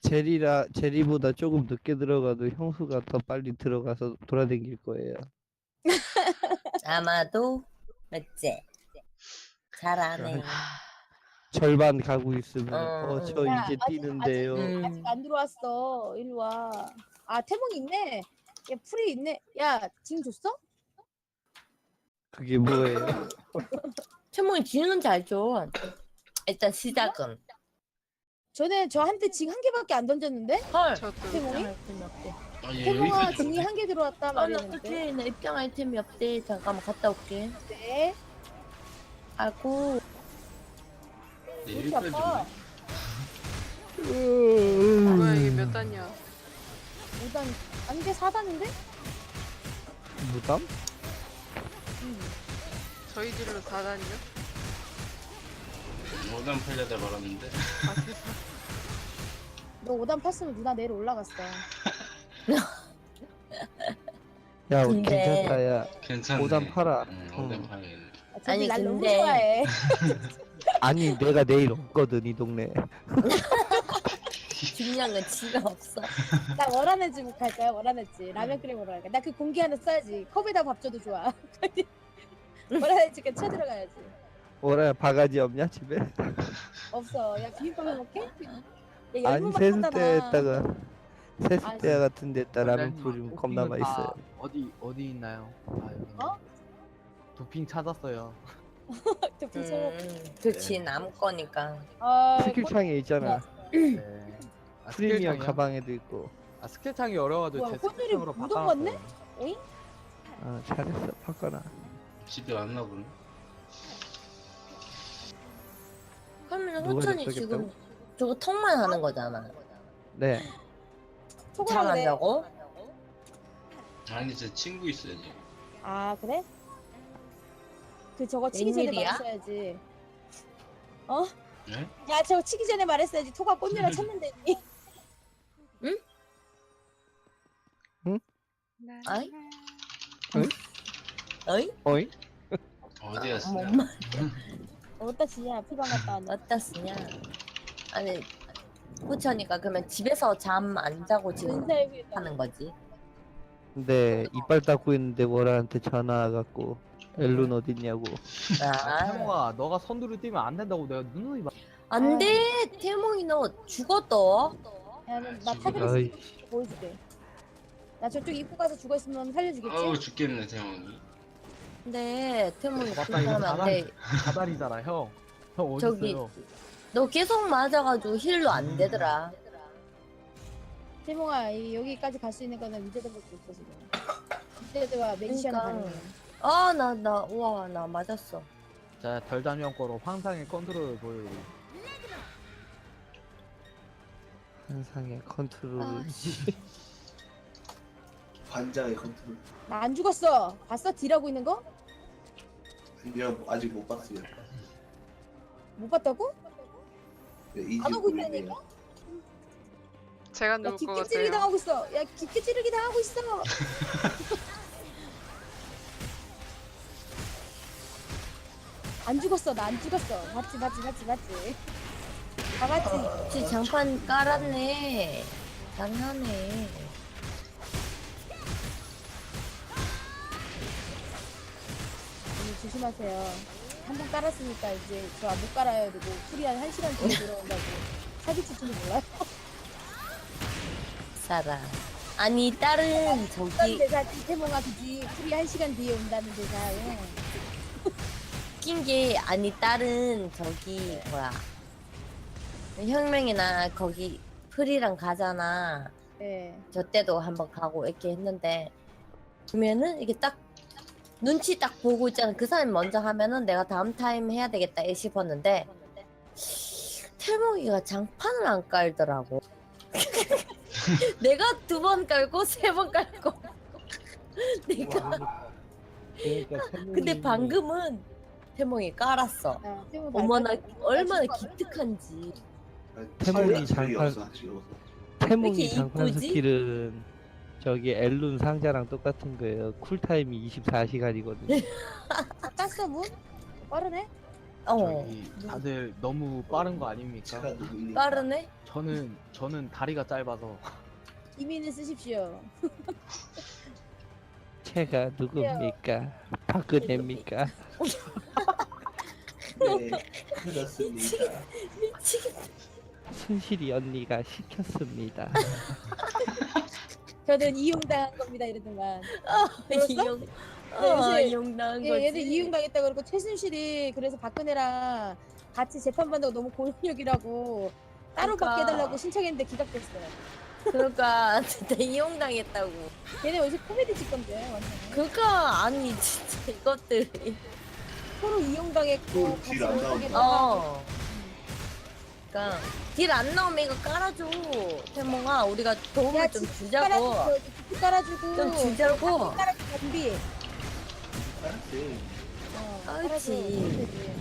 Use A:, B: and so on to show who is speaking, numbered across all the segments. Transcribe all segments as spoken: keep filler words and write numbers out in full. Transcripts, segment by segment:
A: 제리라 제리보다 조금 늦게 들어가도 형수가 더 빨리 들어가서 돌아다닐 거예요.
B: 아마도 맞지? 잘하네.
A: 절반 가고 있으면
B: 어,
A: 어 저
B: 응.
C: 야,
A: 이제
C: 아직,
A: 뛰는데요.
B: 음.
C: 아직 안 들어왔어. 일로 와. 아, 태몽이 있네. 야, 풀이 있네. 야, 징 줬어?
A: 그게 뭐예요?
B: 태몽이 지는 잘 줘. 일단 시작은.
C: 전에 저한테 징 한 개밖에 안 던졌는데?
B: 헐.
D: 저도
C: 태몽이?
B: 아이템이 없대.
E: 아, 얘
C: 태몽아,
E: 여기까지
C: 징이
E: 오네.
C: 한 개 들어왔다
B: 아, 나
C: 말했는데.
B: 어떡해. 나 입장 아이템이 없대. 잠깐만 갔다 올게.
C: 네.
B: 아이고.
E: 얘
C: 이렇게
E: 여기까지
C: 아파.
E: 오네.
D: 뭐야 이게 몇 단이야?
C: 오 단, 아니, 이게 사 단인데?
A: 무담?
C: 응.
D: 저희 딜로 사 단이요?
E: 오단 팔려다 말았는데.
D: 아 세상.
C: 너 오 단 팠으면 누나 내일 올라갔어.
A: 야
B: 근데-
A: 괜찮다 야.
E: 괜찮네.
A: 오단 팔아.
E: 응,
A: 응.
E: 오단 팔아야겠네.
C: 아, 저기
B: 아니,
C: 날 너무
B: 근데-
C: 좋아해.
A: 아니 내가 내일 없거든 이 동네.
B: 중요한 건 지가 없어.
C: 나 월화네즈 갈 거야, 월화네즈. 라면 끓여 먹으러 갈 거야. 나 그 공기 하나 써야지. 컵에다 밥 줘도 좋아. 월화네즈 그 쳐들어가야지.
A: 뭐라 바가지 없냐 집에?
C: 없어. 야, 비빔밥 해 먹게? 야,
A: 아니
C: 열무만
A: 세숫대에다가 세숫대
C: 아,
A: 같은 데다 라면
F: 원장님,
A: 뿌리면 겁나
F: 도핑은 다
A: 맛있어요.
F: 어디 어디 있나요? 아 여기.
C: 어?
F: 도핑 찾았어요.
C: 또 비춰.
B: 음, 그치, 남 거니까.
C: 아,
A: 스킬창에 있잖아.
F: 네. 아,
A: 프리미엄
F: 스킬창이요?
A: 가방에도 있고.
F: 아 스킬창이 어려가지고
C: 뭐야,
F: 제
C: 콘솔이
F: 스킬창으로
C: 묻은
F: 바꿔놨어요.
C: 건데? 오잉?
A: 아 잘했어 바꿔라.
E: 집에 왔나 보네.
B: 그러면
A: 누가
B: 호천이
A: 접속했다고?
B: 지금 저거 턱만 하는 거잖아.
A: 네.
C: 초과하네.
B: 잘한다고?
E: 아니 제 친구 있어요 지금.
C: 아, 그래? 그 저거 치기 전에
B: 웬일이야?
C: 말했어야지. 어?
E: 네?
C: 야, 저거 치기 전에 말했어야지. 토가 꽃내라 쳤는데.
B: 아이?
A: 어이?
B: 어이?
A: 어이?
E: 어디 갔어?
B: 뭐 엄마
C: 어디다 치냐? 피방 갔다 왔나?
B: 어디다 쓰냐? 아니 호천이가 그러면 집에서 잠 안 자고 지금
C: 은사에 비해
B: 하는 거지.
A: 근데 이빨 닦고 있는데 뭐라한테 전화 와갖고 엘룬 어딨냐고.
B: 아,
F: 태몽아 너가 선두를 뛰면 안 된다고 내가 누누이 말.
B: 안돼. 태몽이 너 죽었어.
C: 야, 나
E: 지금-
C: 타그레스
A: 어이.
C: 보여줄게. 나 저쪽 입구 가서 죽어 있으면 살려주겠지?
E: 아우 죽겠네 태몽이.
B: 근데 태몽이
F: 맞다,
B: 그렇게
F: 이거
B: 하면 안 돼.
F: 가다리잖아 형. 형 어디
B: 저기-
F: 있어요?
B: 너 계속 맞아가지고 힐로 안 되더라.
C: 태몽아, 이- 여기까지 갈 수 있는 거는 위제드밖에 없어 지금. 위제드와 메디시아는
B: 그러니까.
C: 가능해.
B: 아 나 나 우와 나 맞았어.
F: 자 별담형 거로 황상의 컨트롤을 보여드리.
A: 한상의 컨트롤.
B: 아,
G: 관자의 컨트롤.
C: 나 안 죽었어. 봤어? 딜하고 있는 거?
G: 아니요, 아직 못 봤어요.
C: 못 봤다고?
G: 네, 이지
C: 안 오고 있다니까?
D: 제가
C: 야,
D: 누울 것
C: 깊게 찌르기
D: 같아요.
C: 당하고 있어. 야, 깊게 찌르기 당하고 있어. 안 죽었어. 나 안 죽었어. 맞지, 맞지, 맞지, 맞지. 다 맞지.
B: 혹시 장판 깔았네. 장난해.
C: 음, 조심하세요. 한 번 깔았으니까 이제 저 못 깔아야 되고 풀이 한 한 시간 뒤에 들어온다고 사기칠지도 몰라요.
B: 사라. 아니 딸은
C: 어떤
B: 저기
C: 대사 태몽아 그지 풀이 한 시간 뒤에 온다는 대사요.
B: 웃긴 게 아니 딸은 저기 뭐야 혁명이나 거기 프리랑 가잖아.
C: 네.
B: 저 때도 한번 가고 이렇게 했는데 보면은 이게 딱 눈치 딱 보고 있잖아. 그 사람이 먼저 하면은 내가 다음 타임 해야 되겠다 싶었는데 태몽이가 장판을 안 깔더라고. 내가 두 번 깔고 세 번 깔고 내가
A: 그러니까
B: 근데 방금은 태몽이 깔았어.
C: 아, 태몽
B: 어머나
C: 잘 깔았어.
B: 얼마나
C: 나 죽어.
B: 기특한지.
A: 태몽이
G: 장판
A: 장판-
G: 없어, 아직 없어.
A: 태몽이
B: 이렇게
A: 장판
B: 이쁘지?
A: 스킬은 저기 엘룬 상자랑 똑같은 거예요. 쿨타임이 이십사 시간이거든요.
C: 다 땄어 문? 빠르네.
B: 어
F: 저기 다들 너무 빠른 거 아닙니까?
G: 제가 누구니까.
B: 빠르네.
F: 저는 저는 다리가 짧아서
C: 이민을 쓰십시오.
A: 제가 누굽니까? 박근혜입니까?
G: 네, 그렇습니다.
B: 미치겠다.
A: 순실이 언니가 시켰습니다.
C: 저는 이용당한 겁니다 이러더만. 들었어?
B: 이용.
C: 네,
B: 어,
C: 요새-
B: 이용당한 거지.
C: 예, 얘들 이용당했다 그러고 최순실이 그래서 박근혜랑 같이 재판받는다고 너무 고용력이라고 따로
B: 그러니까.
C: 받게 해달라고 신청했는데 기각됐어요.
B: 그러니까 진짜 이용당했다고.
C: 걔네 요새 코미디 찍던데 완전.
B: 그러니까 아니 진짜 이것들이.
C: 서로 이용당했고
G: 그
C: 같이
G: 딜안
C: 못하게
G: 나온다.
C: 막아서
B: 어. 그러니까 딜 안 나오면 이거 깔아줘. 태몽아 우리가 도움을
C: 야,
B: 좀
C: 집
B: 주자고.
C: 깔아주고 집 깔아주고
B: 좀 주자고.
C: 깔아주고 준비.
G: 알았지.
C: 어,
B: 그렇지.
C: 깔아줘. 그렇지.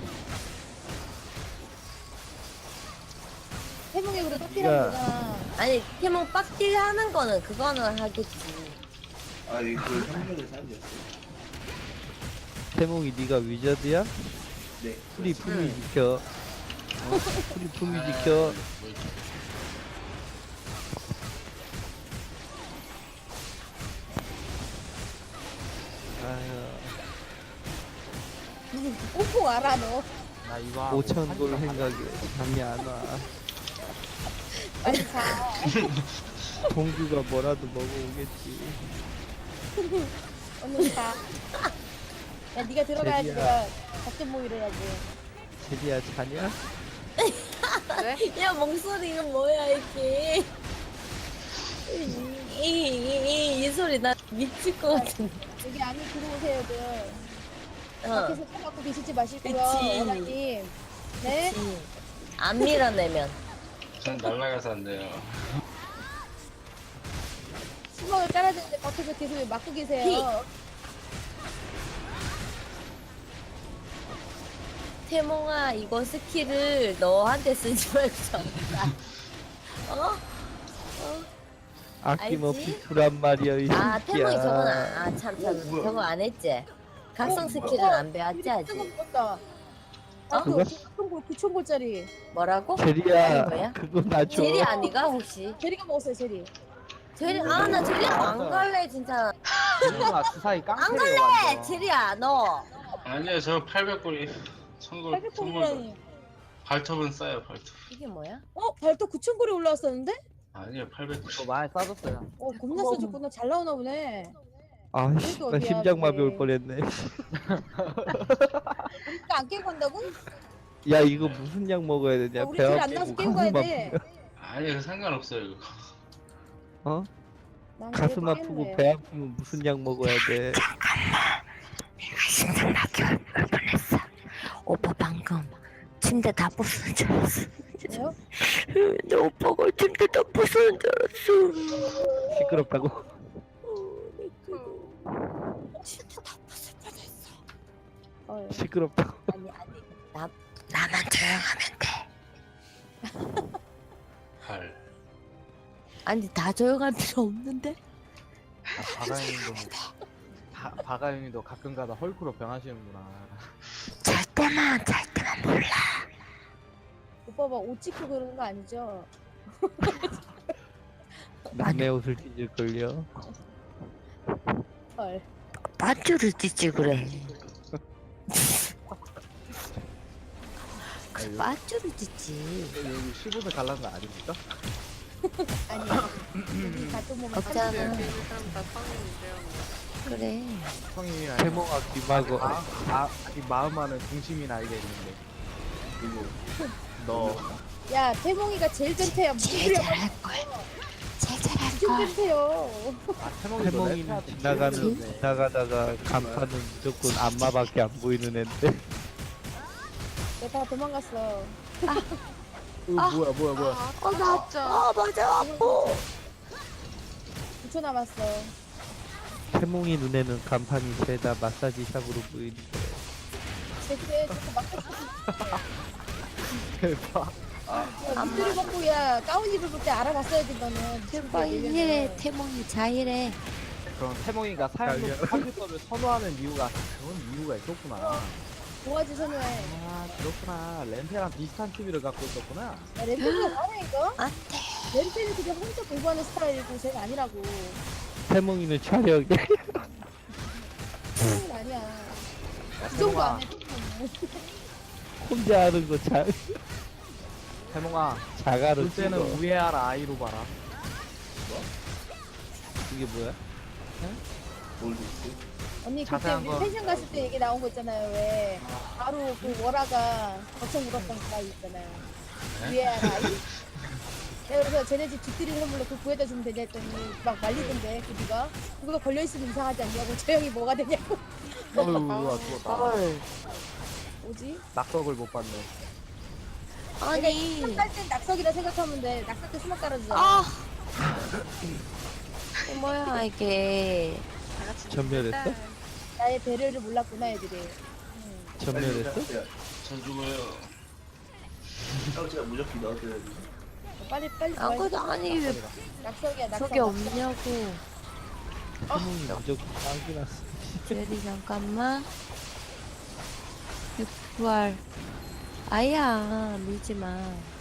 C: 해몽이 그래 빡디랑 누가
B: 아니 태몽 빡딜 하는 거는 그거는 하겠지.
G: 아니 그 혁명의 삶이었어.
A: 태몽이 네가 위저드야?
G: 네.
A: 우리 품위 지켜. 어? 우리 품위 지켜. 아유,
C: 무슨 꽁꽁 알아 너.
F: 나 이거 하고
A: 오천
F: 사진
A: 골
F: 좀
A: 생각에 잠이 안 와.
C: 빨리 자.
A: 동규가 뭐라도 먹어오겠지.
C: 얼른 자. 야 네가 들어가야지
A: 제리야.
C: 내가 작전 모의를 하지.
A: 제리야 자냐?
D: 네?
B: 야 목소리가 뭐야 이게. 이, 이, 이, 이 소리 나 미칠 것 같은데.
C: 여기 안에 들어오세요들.
B: 어.
C: 밖에서 차 갖고 계시지 마시고요.
B: 그치.
C: 원장님. 네.
B: 그치. 안 밀어내면.
E: 전 날라가서 안 돼요.
C: 수박을 깔아주는데 밖에서 계속 막고 계세요.
B: 태몽아 이거 스킬을 너한테 쓰지 말고 전다. 어?
A: 아낌없이
B: 알지?
A: 두란 말이야 이
B: 아 태몽이 저건
A: 새끼야.
B: 아참참
G: 오, 뭐야.
B: 저거 안 했지. 각성
C: 어,
B: 스킬은
C: 뭐야.
B: 안 배웠지 아직.
C: 먹었다. 아,
A: 그거?
C: 구천 골, 구천 골짜리.
B: 뭐라고?
A: 제리야
B: 아니, 뭐야?
A: 그거 나 줘.
B: 제리 아니가 혹시?
C: 제리가 먹었어요, 제리.
B: 제리 아 나 제리 안 갈래 진짜.
F: 누나 주사위
B: 안
F: 깡패래요
B: 갈래
F: 완전.
B: 제리야 너.
E: 아니요, 저 팔백 골이 천골
C: 팔백
E: 천골
C: 골이라니.
E: 발톱은 싸요, 발톱.
B: 이게 뭐야?
C: 어, 발톱 구천 골이 올라왔었는데?
E: 아니요, 팔백 골.
F: 저 많이 싸졌어요.
C: 어, 겁나 써줬구나. 잘 나오나 보네.
A: 아씨
C: 그래도
A: 나
C: 어디야,
A: 심장마비
C: 그게.
A: 올 뻔했네.
C: 그러니까 안 깨고 간다고?
A: 야 이거 무슨 약 먹어야 되냐?
C: 어, 우리
A: 배
C: 길 안
A: 아프고
C: 나와서 깨고 가야
A: 가슴
C: 돼.
E: 아니요, 상관없어요, 이거.
A: 어?
C: 난
A: 가슴
C: 그래도
A: 아프고
C: 깨는
A: 배
C: 거야.
A: 아프면 무슨 약 먹어야 돼?
B: 심장마비 올 뻔했어. 오빠 방금 침대 다 부수는 줄 알았어.
C: 왜요?
B: 내 오빠가 침대 다 부수는 줄 알았어.
A: 시끄럽다고?
B: 침대 다 부술 뻔했어.
C: 어,
A: 시끄럽다고?
C: 아니, 아니.
B: 나 나만 조용하면 돼.
E: 발.
B: 아니 다 조용할 필요 없는데?
F: 아, 바가형님도 바, 바가형님도 가끔가다 헐크로 변하시는구나.
B: 잘 때만 잘 때만 몰라.
C: 오빠 막 옷 찍고 그러는 거 아니죠?
A: 남의 옷을 찢을걸요?
C: 헐.
B: 밧줄을 찢지 그래. 그 밧줄을 찢지.
F: 여기 십오세 갈라는 거 아닙니까?
C: 아니. 여기 가끔 보면
B: 없잖아.
D: 여기 있는 사람 다 성인인데요. 뭐.
B: 그래.
F: 성인이나
A: 태몽아 귀마고
F: 아, 아, 이 마음만은 중심이 알게 있는데
G: 그리고
F: 너
C: 야, 태몽이가 제일 전태야. 무슨 소리야?
B: 잘할 걸. 제일 잘할
C: 무슨
B: 걸.
C: 전태요?
F: 아, 태몽이
A: 태몽이는 지나가는 지나가다가 간판은 무조건 안마밖에 안 보이는 앤데
C: 내가 다 도망갔어.
F: 어, 뭐야 뭐야 뭐야
D: 아,
B: 어, 나
D: 진짜.
B: 아 맞아 아파.
C: 구 초 남았어.
A: 태몽이 눈에는 간판이 죄다 마사지샵으로 보이는데
C: 제 그래, 자꾸 막
F: 대박.
C: 야, 밑들을 벗고 야 가운 입을 때 알아봤어야지 너는.
B: 제발 해 태몽이 자일해.
F: 그럼 태몽이가 사용도 컴퓨터를 선호하는 이유가 그런 이유가 있었구나.
C: 도화지 선호해.
F: 아 그렇구나. 렌페랑 비슷한 취미를 갖고 있었구나.
C: 야, 렌페가 나네 이거?
B: 안
C: 렌페는 그냥 혼자 공부하는 스타일이고 쟤가 아니라고.
A: 태몽이는 촬영에
C: 쟤는 아니야. 그 정도 안 해.
A: 혼자 하는 거 잘,
F: 태몽아,
A: 자가로
F: 볼 때는
A: 찍어.
F: 우에하라 아이로 봐라.
A: 이게 뭐야?
G: 뭘 됐지?
C: 언니 그때
F: 자세한
C: 우리
F: 거.
C: 펜션 갔을 때 얘기 나온 거 있잖아요. 왜 바로 그 월화가 거쳐 물었던 그 아이 있잖아요. 위에 아이. 내가 그래서 쟤네 집 집들이 선물로 그거 구해다 주면 되냐 했더니 막 말리던데 그 니가 그거 걸려있으면 이상하지 않냐고 저 형이 뭐가 되냐고.
F: 어휴, 우와 죽었다.
B: 헐.
C: 뭐지?
F: 낙석을 못 봤네.
B: 아니.
C: 수박 깔땐 낙석이라 생각하면 돼. 낙석 때 수박 깔아주잖아.
B: 아. 이게 뭐야 이게.
D: 다 같이
A: 전멸했어?
D: 놀자.
C: 나의 배려를 몰랐구나 애들이.
A: 전멸했어?
E: 전 죽어요.
G: 형 제가 무조건 넣어드려야지.
C: 빨리 빨리.
B: 안 그래도 아니 왜
C: 낙석이야 낙석.
B: 저게 없냐고.
A: 태몽이 무조건 빵기 났어.
B: 제리 잠깐만. 부활. 아야 밀지 마.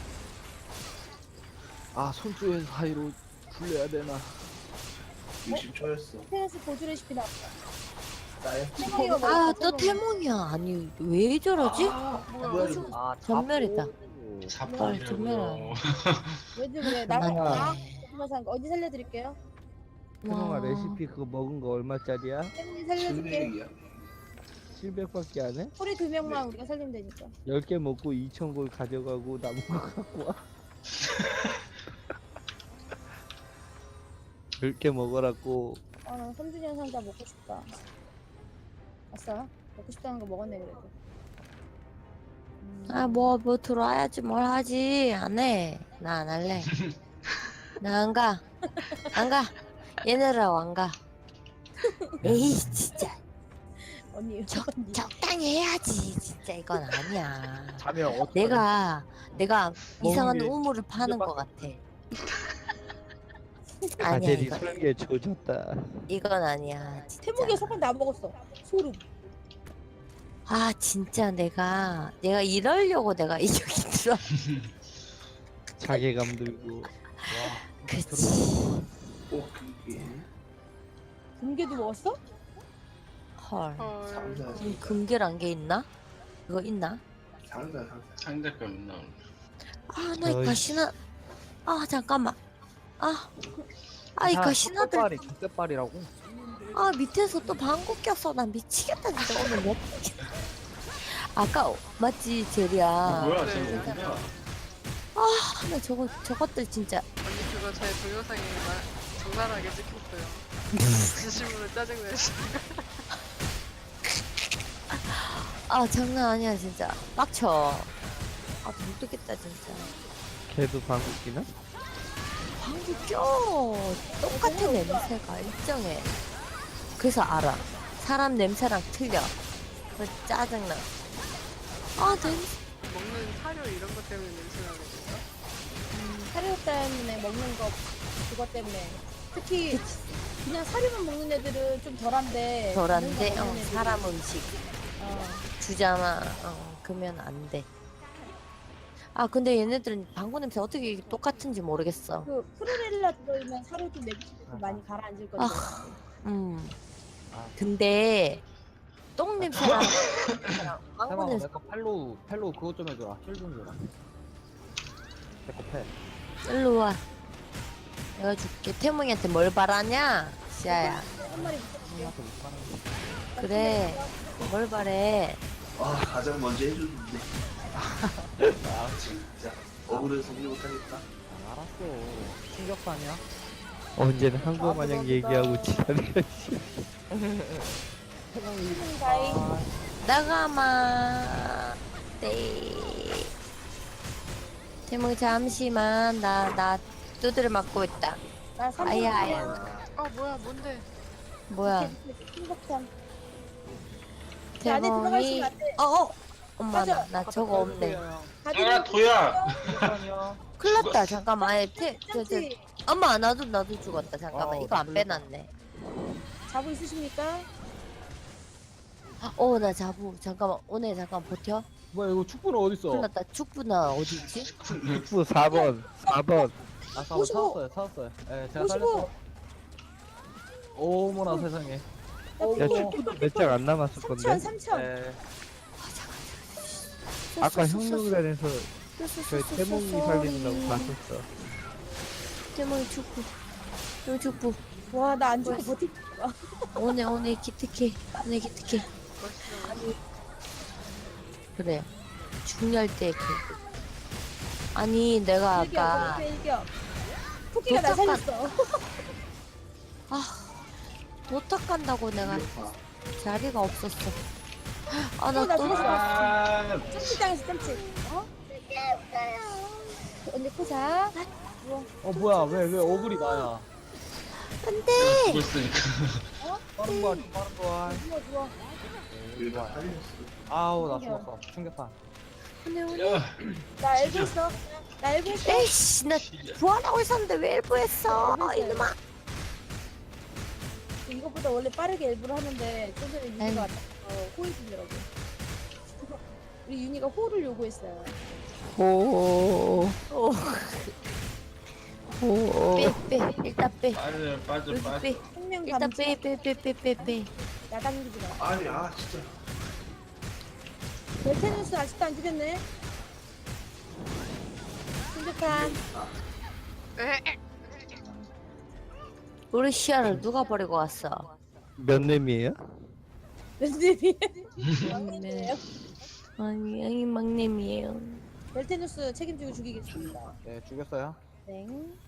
F: 아 손주의 사이로 굴려야 되나?
G: 육십 초였어.
C: 테라스 보조 레시피 나왔다.
G: 나야?
C: 태몽이가
B: 아
C: 먹었어,
B: 또 태몽이야. 아니 왜 저러지?
G: 뭐야 이거?
F: 아
B: 전멸이다.
E: 자폭이라고요.
B: 정말.
C: 왜지 그래? 나
B: 맞네.
C: 나 그래서 어디 살려드릴게요?
A: 태몽아
B: 와.
A: 레시피 그거 먹은 거 얼마짜리야?
C: 태몽이 살려줄게.
G: 칠백이야.
A: 칠백밖에 안 해?
C: 소리 두 명만 우리가 살리면 되니까.
A: 열 개 먹고 이천 골 가져가고 남은 거 갖고 와. 열 개 먹으라고.
C: 아, 나 삼주년 상자 먹고 싶다. 아싸, 먹고 싶다는 거 먹었네 그래도. 음,
B: 아 뭐 뭐 들어와야지 뭘 하지. 안 해. 나 안 할래. 나 안 가. 안 가. 얘네랑 안 가. 에이 진짜.
C: 언니,
B: 적,
C: 언니.
B: 적당히 해야지. 진짜 이건 아니야.
F: 자면 어떡하냐?
B: 내가 내가 이상한
F: 게
B: 우물을 파는 것 같아. 아니야
A: 가젤이
B: 이건
A: 설계 조졌다.
B: 이건 아니야. 진짜.
C: 태몽이가 소금 다 먹었어. 소름.
B: 아 진짜 내가 내가 이러려고 내가 이 저기 들어.
A: 자괴감 들고.
B: 그치.
G: 어 그게
C: 금괴도 먹었어?
B: 헐.
D: 헐.
G: 상자.
B: 지금 금괴란 게 있나? 그거 있나?
G: 상자 상자.
E: 상대가 맨날.
B: 아 나 이
A: 어이.
B: 가시나. 아 잠깐만. 아. 아 이 가시나들.
F: 족대빨이 족대빨이라고?
B: 아 밑에서 또 방구 꼈어. 나 미치겠다 진짜 오늘 몇. 아까 맞지 제리야.
E: 뭐야
D: 네.
E: 지금 어디야?
B: 아, 나 저거 저것들 진짜.
D: 언니 그거 제 동영상에 마- 적나라하게 찍혔어요. 진심으로 짜증내시.
B: 아 장난 아니야 진짜. 빡쳐. 아 못 듣겠다 진짜.
A: 걔도 방귀 끼나?
B: 방구 껴. 똑같은 냄새가 일정해. 그래서 알아. 사람 냄새랑 틀려. 그 짜증나. 아 냄새.
D: 먹는 사료 이런 것 때문에 냄새나는 건가?
C: 음, 사료 때문에 먹는 거 그것 때문에. 특히 그냥 사료만 먹는 애들은 좀 덜한데.
B: 덜한데
C: 다른 거
B: 어,
C: 먹는 애들은-
B: 사람 음식
C: 어.
B: 주잖아. 어, 그러면 안 돼. 아 근데 얘네들은 방구 냄새 어떻게 똑같은지 모르겠어.
C: 그 프로렐라 들어있는 사료도 냄새도 많이 가라앉을 건데.
B: 아. 음.
F: 아.
B: 근데 똥 냄새랑 냄새랑 방구
F: 태몽아
B: 냄새.
F: 내거 팔로우 팔로우 그것 좀 해줘라. 힐 좀 줘라. 내거 패.
B: 일로 와. 내가 줄게. 태몽이한테 뭘 바라냐? 시아야.
C: 한 마리 붙여줄게.
F: 형한테 못 가는 거.
B: 그래. 뭘 바래?
G: 아 가장 먼저 해줬는데. 아 진짜 억울해서 소리 못하겠다.
F: 아, 알았어. 충격파냐?
A: 언제는 한국
C: 아,
A: 마냥
C: 그거보다-
A: 얘기하고 지랄이야.
F: 태몽이
C: 태몽이 다이.
F: 아,
B: 나가마. 네. 태몽이 잠시만. 나, 나 두드려 맞고 있다.
C: 나 삼 분
B: 아야, 아야.
D: 아 뭐야 뭔데?
B: 뭐야.
C: 신박한. 그 안에 들어갈
B: 태몽이.
C: 수가 안 돼.
B: 어, 어. 엄마, 나,
C: 맞아.
B: 나 저거 없네.
E: 아 도야.
F: 충격파냐?
B: 큰일 났다. 잠깐만. 아예 태, 저, 저,
C: 짱치
B: 엄마, 나도, 나도 죽었다. 잠깐만.
F: 어,
B: 이거 안
F: 큰일
B: 빼놨네.
C: 자부 있으십니까?
B: 어, 나 자부. 잠깐만, 오늘 잠깐 버텨.
F: 뭐야 이거 축구는 어딨어?
B: 큰일 났다. 축구나 어디 있지?
A: 축구 사 번 사 번
F: 아 사번
C: 오십오.
F: 찾았어요 찾았어요. 예 제가
C: 오십오.
F: 살렸어. 어머나 세상에.
A: 야
F: 어,
A: 축구도 몇 장 안 남았을
C: 삼천
A: 건데
C: 삼천.
F: 예.
A: 아까 형님단에서 저희 태몽이 살리느라고 봤었어.
B: 태몽이 축구. 태몽 축구.
C: 와 나 안 죽고 버티.
B: 오늘 오늘 기특해. 오늘 기특해.
D: 멋있어.
B: 그래. 중요할 때 그. 아니 내가
C: 일격
B: 아까
C: 일격. 토끼가 나
B: 도착한-
C: 살렸어.
B: 도착한다고 내가 자리가 없었어. 아
C: 어, 나
B: 나 또
C: 죽었어.
E: 아,
C: 점치 당했어 점치. 어? 언니 포자.
F: 어 뭐야 왜 왜 어글이 나야?
B: 안돼.
E: 죽었으니까.
F: 빠른 거 빠른 거.
C: 누워 누워.
G: 일가 살렸어.
F: 아우 나 죽었어. 충격파.
B: 오늘 오늘.
E: 야,
C: 나 엘보 했어. 나 엘보 했어.
B: 에이씨 나 부활하고 있었는데 왜 일부했어 이놈아.
C: 이것보다 원래 빠르게 엘보를 하는데 좀 전에 윤희가
B: 아유.
C: 왔다. 어, 호의 주더라고. 우리 윤희가 호를 요구했어요.
A: 호.
B: 오.
A: 호.
B: 빼빼 일단 빼.
E: 빠져, 빠져,
B: 여기
E: 빠져.
B: 빼.
C: 생명
B: 일단
C: 감지.
B: 빼 빼 빼 빼 빼 빼.
C: 야당기지 마.
G: 아니 아 진짜.
C: 벨테누스 아직도 안 죽였네. 신득한.
D: 에?
B: 우리 시야를 누가 버리고 왔어?
A: 몇 렘이에요?
C: 렌즈비.
B: 네. 아니 아니 막내미에요.
C: 벨테누스 책임지고 죽이겠습니다.
F: 네 죽였어요.
C: 네.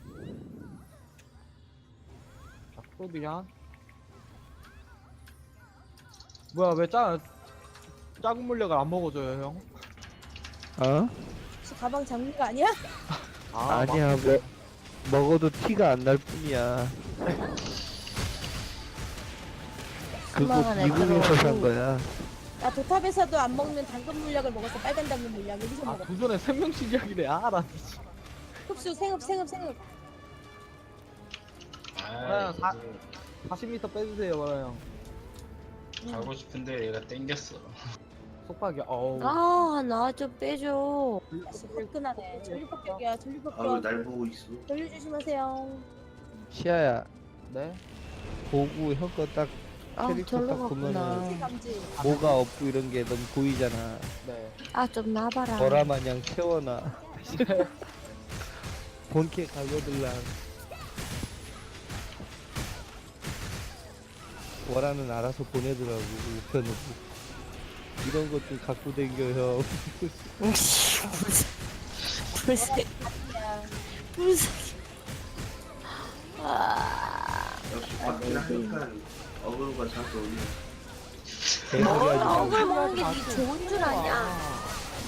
F: 자 프로비안. 뭐야 왜짜 작은 물약을 안 먹어줘요 형?
A: 어?
C: 혹시 가방 장미가 아니야?
F: 아,
A: 아니야 뭐 먹어도 티가 안 날 뿐이야. 그거
B: 수많은
A: 미국에서
B: 애들하고.
A: 산 거야.
C: 나 도탑에서도 안 먹는 당근 물약을 먹었어. 빨간 당근 물약. 여기서
F: 아
C: 먹었어.
F: 도전에 생명식 이야기래. 아나 미치.
C: 흡수 생흡 생흡 생흡.
E: 아,
F: 사- 사십 미터 빼주세요 마라 형.
E: 가고 싶은데 얘가 땡겼어.
F: 속박이야. 어우.
B: 아나 좀 빼줘.
C: 아씨 화끈하네. 전류폭격이야. 전류폭격.
G: 아왜날 보고 있어?
C: 전류 조심하세요.
A: 시아야
F: 네.
A: 보고 형 거 딱
B: 아
A: 캐릭터
B: 절로
A: 딱 보면은
C: 감지
B: 갔구나.
C: 감지.
A: 뭐가 없고 이런 게 너무 보이잖아.
F: 네.
B: 아 좀 나봐라.
A: 보라 마냥 채워놔. 본캐 갈고들랑 워라는 알아서 보내더라고 우편으로. 이런 것 좀 갖고 댕겨 형.
B: 불새 불새. 아
G: 역시 밖이나 하니까 어그로가 자꾸 오네.
A: 개소리 하지 말고.
B: 억울 먹는 게 네 좋은 줄 아냐?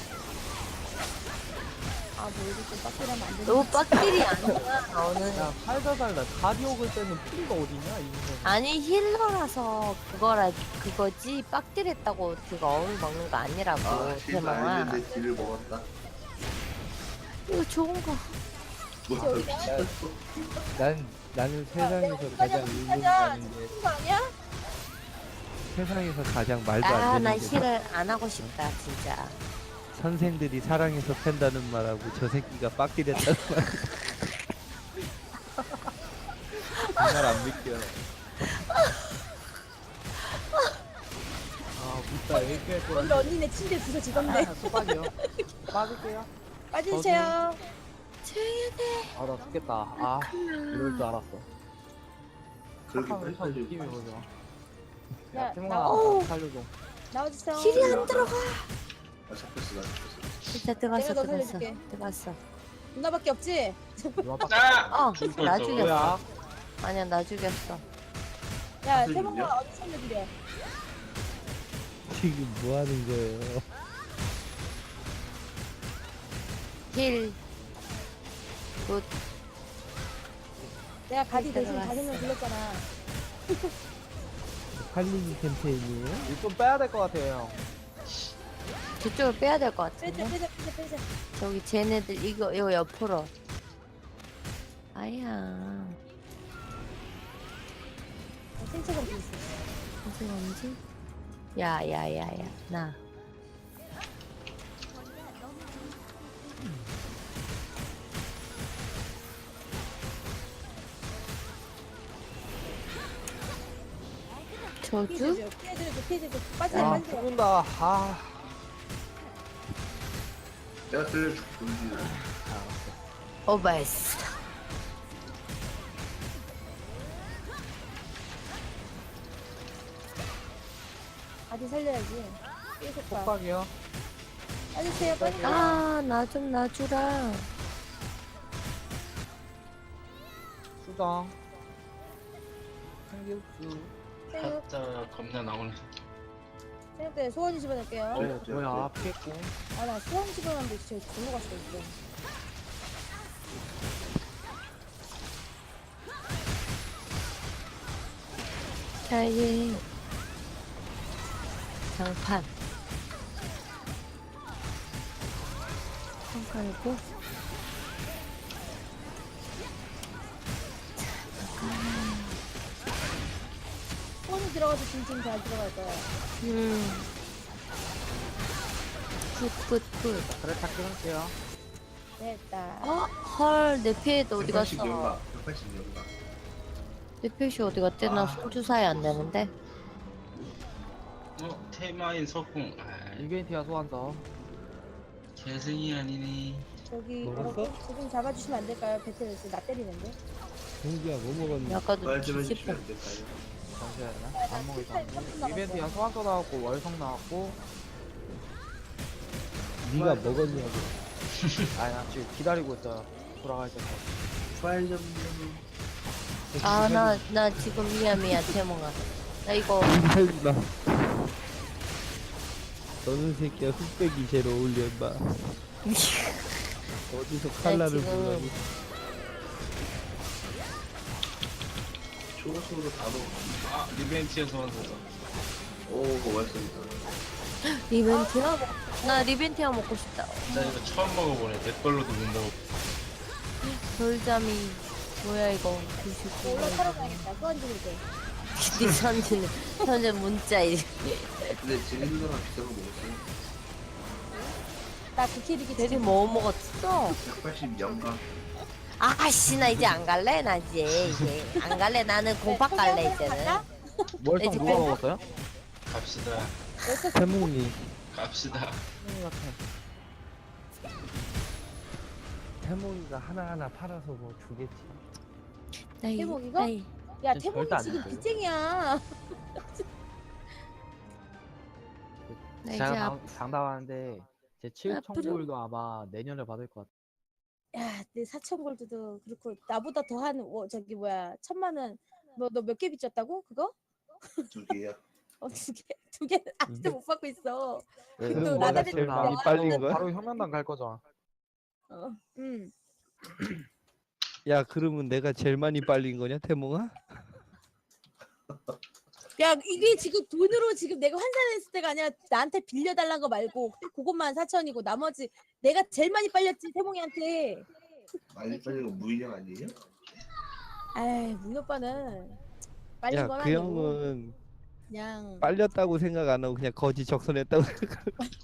C: 아뭐 이거 좀 빡질하면 안 되는.
B: 너 빡딜이 아니야 너는.
F: 야 살다 살다 가디옥을 빼는 풀이가 어디냐 이거.
B: 아니 힐러라서 그거라 그거지 빡딜했다고 그거 억울 먹는 거 아니라고
G: 아 실수
B: 대망아.
G: 알겠는데 딜을 먹었다.
B: 이거 좋은 거.
G: 뭐
A: 난 나는 세상에서 가장 의문
C: 가자.
A: 가는 게
C: 죽는 거 아니야?
A: 세상에서 가장 말도 안
B: 아나
A: 되는 게
B: 힐을 안 하고 싶다 진짜.
A: 선생들이 사랑해서 팬다는 말하고 저 새끼가 빡딜했다는 말. 정말 안 믿겨.
F: 아 진짜 얘기할 거야.
C: 오늘 언니네 침대 주소 지던데.
F: 아, 속박이요. 빠질게요.
C: 빠지세요.
B: 조용히 해.
F: 아 나 죽겠다. 아 이럴 줄 알았어.
G: 그렇게
F: 착한 참
G: 빨리
F: 느낌이
G: 빨리.
F: 뭐죠?
C: 야,
F: 야 태몽아
B: 나-
F: 살려줘.
C: 나와주세요.
B: 힐이 안 들어가.
G: 아 잡혔어 나 잡혔어.
B: 진짜 들어갔어
C: 내가 너
B: 들어갔어
C: 살려줄게.
B: 들어갔어.
C: 누나밖에 없지?
F: 누나밖에
E: 아!
B: 어
E: 죽을
B: 나
E: 뻔했어.
B: 죽였어.
F: 뭐야?
B: 아니야 나 죽였어.
C: 야
G: 선생님이요?
C: 태몽아 어디 살려드려?
A: 지금 뭐 하는 거예요?
B: 힐. 굿.
C: 내가 가디 대신
B: 들어갔어.
C: 다섯 명 불렀잖아.
A: 팔리기 캠페인이에요?
F: 이거 좀 빼야 될 것 같아요 형.
B: 저쪽을 빼야 될 것
C: 빼자
B: 같은데.
C: 빼자 빼자 빼자.
B: 저기 쟤네들 이거 이거 옆으로. 아야.
C: 생체가 어디 있어?
B: 무슨 언지? 야야야야 나. 저주?
C: 피해드려 피해드려 피해드려 빠지네
F: 아
C: 빠지네.
F: 죽는다. 아.
G: 내가 들려줄게.
B: 오버했어.
C: 아직 살려야지. 삐졌다.
F: 폭박이요.
C: 빠지세요 빠지세요.
B: 아 나 좀 놔주라.
F: 수정. 생길수.
C: 생각
E: 하자 겁나 나오네.
C: 생각 때 소원이 집어넣을게요.
F: 어 뭐야 피했고.
C: 아 나 소원 집어넣는데 진짜 절로 갔어 이거.
B: 자이 장판. 손 깔고.
C: 소원이 들어가서 진짜 잘 들어갈 거야.
B: 음. 굿굿굿.
F: 그래 찾기 할게요.
C: 됐다.
B: 어? 헐, 내 피해도 어디
G: 백팔십
B: 갔어?
G: 연가. 백팔십 연가.
B: 내 피해 어디 갔대? 나
G: 아.
B: 손 주사위 안 되는데.
E: 어 테마인 석궁. 아
F: 이벤티아 소환서.
E: 재생이 아니네.
C: 저기
A: 먹었어?
C: 어, 저좀 잡아주시면 안 될까요? 배틀에서 나 때리는데.
A: 동기야 뭐 먹었니?
B: 아까도
G: 말좀
B: 뒤집어.
G: 해주시면 안 될까요?
F: 잠시만요. 안 먹을
C: 삼 분 남았어.
F: 이벤티아 소환서 나왔고 월성 나왔고.
A: 네가 먹었냐고.
F: 아니 나 지금 기다리고 있어요. 돌아갈 때까지.
G: 파일 좀.
B: 아, 나, 나 지금 미야, 미야, 태몽아. 나 이거,
A: 살지마. 너는 새끼야 흑백이 제일 어울려 임마. 어디서 칼라를
B: 지금-
A: 보려고.
G: 초록초록 다 넣어.
E: 아 리벤티에서 완성다.
G: 오, 고맙습니다.
B: 리벤티아? 나 리벤티아 먹고 싶다.
E: 나 이거 처음 먹어보네. 내 걸로도 못 먹어.
B: 돌잠이, 뭐야, 이거.
C: 올라타러 가야겠다. 소원 지를 때.
B: 네 선지는, 현재 문자, 이
G: 근데 지금 누나랑 비싼 거 먹었어요.
C: 나 국회리기
B: 대리 뭐 먹었어?
G: 백팔십 연가.
B: 아씨, 나 이제 안 갈래? 나 이제, 이제. 안 갈래? 나는 공팍 갈래, 이제는.
F: 월성
B: 네,
F: 누가
B: 지금-
F: 먹었어요?
E: 갑시다.
A: 태몽이.
E: 갑시다.
A: 태몽이가 하나하나 팔아서 뭐 주겠지.
B: 나 이-
C: 태몽 이거?
B: 나 이-
C: 야
F: 저
C: 태몽이
F: 절대 안
C: 지금
F: 됐어요.
C: 빚쟁이야.
B: 나 이제
F: 제가
B: 앞,
F: 장, 장담하는데 제 칠천
B: 앞으로-
F: 골도 아마 내년에 받을 것 같아요.
C: 야, 내 사천 골드도 그렇고 나보다 더한 어, 저기 뭐야 천만 원. 너 너 몇 개 빚졌다고? 그거?
G: 두 개야.
C: 어, 두 개, 두 개 아직도 못 받고 있어.
F: 네,
C: 그래도
A: 그럼
C: 나다
A: 내가
C: 빚
A: 제일
C: 나-
A: 많이 빨린 거야?
F: 바로 혁명당 갈 거죠.
C: 어, 응.
A: 야 그러면 내가 제일 많이 빨린 거냐 태몽아?
C: 야, 이게 지금 돈으로 지금 내가 환산했을 때가 아니라 나한테 빌려달라는 거 말고 그것만 사천이고 나머지 내가 제일 많이 빨렸지 태몽이한테.
G: 많이 빨린 거 무인형 아니에요?
C: 아이, 문 오빠는 빨린 건
A: 야 그
C: 아니고
A: 형은
C: 그냥
A: 빨렸다고 생각 안 하고 그냥 거지 적선했다고 생각.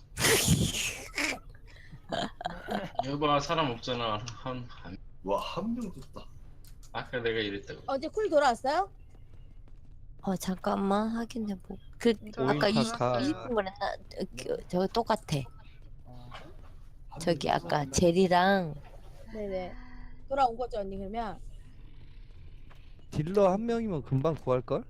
E: 여봐 사람 없잖아. 한, 한
G: 와, 한 명 줬다.
E: 아까 내가 이랬다고.
C: 어제 쿨 돌아왔어요?
B: 어, 잠깐만, 확인해보. 그,
D: 오인
B: 아까
A: 카카.
B: 이십 분 그랬나? 어, 그, 저거 똑같아.
F: 어,
B: 저기 아까 제리랑
C: 네네. 돌아온 거죠 언니 그러면?
A: 딜러 한 명이면 금방 구할 걸?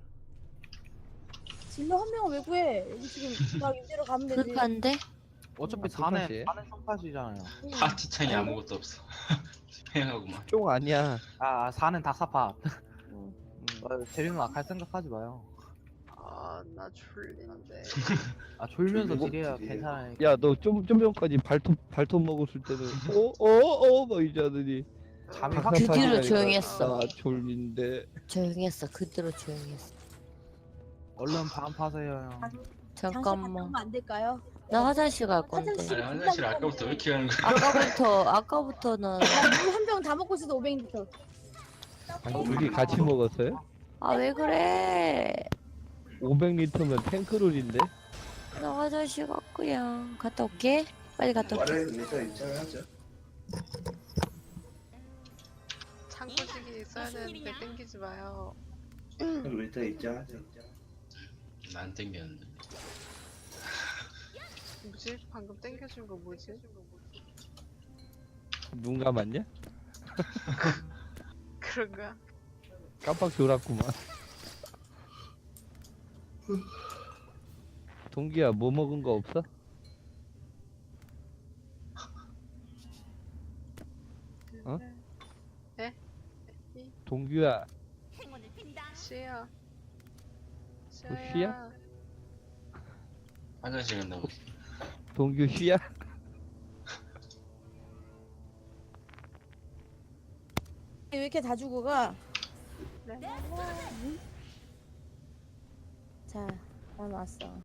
C: 진로 한 명은 왜 구해? 여기 지금 나 이대로 가면 되지.
B: 불판데?
F: 어차피
A: 아,
F: 사내
A: 똑같이.
F: 사내 성파시잖아요.
C: 응.
E: 파티창이 아무것도 없어. 조용하고만.
A: 쫑 아니야.
F: 아 사는 닥사파.
C: 응.
F: 어, 재리는 악할 생각하지 마요.
D: 아, 나 졸린데.
F: 아 졸면서
G: 졸리고
F: 딜해야
G: 딜해요.
F: 괜찮아요.
A: 야 너 좀 좀 전까지 발톱 발톱 먹었을 때는 어어어막 이러더니
F: 잠이
A: 박사
F: 확
B: 그 뒤로
A: 파지라니까
B: 조용히 했어.
A: 나 졸린데.
B: 조용히 했어. 그대로 조용히 했어.
F: 얼른 밤 파세요 형.
C: 잠시만
B: 잠깐만.
C: 가면 안 될까요?
B: 나 화장실 갈 건데.
C: 화장실.
E: 아니 화장실 아까부터 왜 이렇게 가는 거야?
B: 아까부터, 아까부터는.
C: 한 병 다 먹고 있어도 오백 리터.
A: 아니 둘이 같이 먹었어요?
B: 아, 왜 그래?
A: 오백 리터면 탱크롤인데?
B: 나 화장실 갔구야. 갔다 올게. 빨리 갔다 올게.
G: 말해 내가 입장하자.
D: 창고지기 써야 되는데 땡기지 마요.
G: 우리 다 입장하자.
E: 안 땡겼는데.
D: 뭐지? 방금 땡겨준 거 뭐지?
A: 눈 감았냐?
D: 그런가?
A: 깜빡 졸았구만. 동기야 뭐 먹은 거 없어? 어?
D: 네?
A: 동규야
D: 쉬어.
A: 쉬야?
E: 화장실 간다고.
A: 동규 쉬야?
C: 왜 이렇게 다 주고 가?
D: 네.
C: 자, 난 왔어.